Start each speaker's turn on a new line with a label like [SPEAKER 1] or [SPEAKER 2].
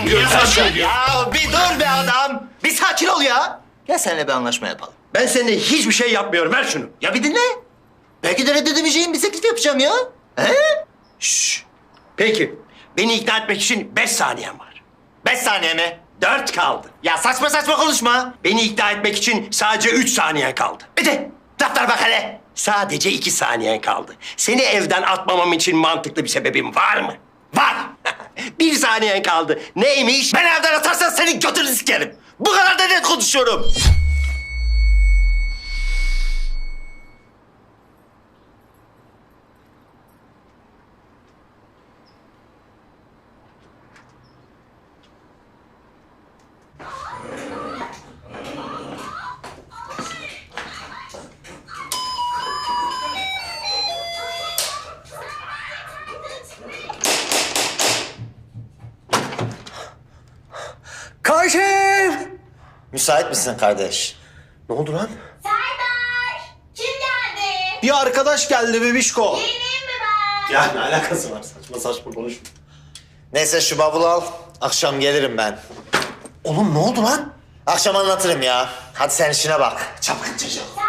[SPEAKER 1] Ya bir dur be adam. Bir sakin ol ya. Gel seninle bir anlaşma yapalım.
[SPEAKER 2] Ben seninle hiçbir şey yapmıyorum. Ver şunu.
[SPEAKER 1] Ya bir dinle. Belki de reddedemeyeceğim bir teklif yapacağım ya. He?
[SPEAKER 2] Şşş. Peki. Beni ikna etmek için 5 saniyen var.
[SPEAKER 1] 5 saniye mi?
[SPEAKER 2] 4 kaldı.
[SPEAKER 1] Ya saçma saçma konuşma.
[SPEAKER 2] Beni ikna etmek için sadece 3 saniyen kaldı.
[SPEAKER 1] Bir de defter bak hele.
[SPEAKER 2] Sadece 2 saniyen kaldı. Seni evden atmamam için mantıklı bir sebebin var mı?
[SPEAKER 1] Var.
[SPEAKER 2] 1 saniyen kaldı. Neymiş?
[SPEAKER 1] Beni evden atarsan senin götünü sikerim. Bu kadar da net konuşuyorum.
[SPEAKER 2] Karşım!
[SPEAKER 1] Müsait misin kardeş?
[SPEAKER 2] Ne oldu lan?
[SPEAKER 3] Serdar! Kim geldi?
[SPEAKER 1] Bir arkadaş geldi bebişko.
[SPEAKER 3] Geleyim mi ben?
[SPEAKER 1] Ya ne alakası var? Saçma saçma konuşma. Neyse şu bavulu al. Akşam gelirim ben.
[SPEAKER 2] Oğlum ne oldu lan?
[SPEAKER 1] Akşam anlatırım ya. Hadi sen işine bak. Çapkın çocuk.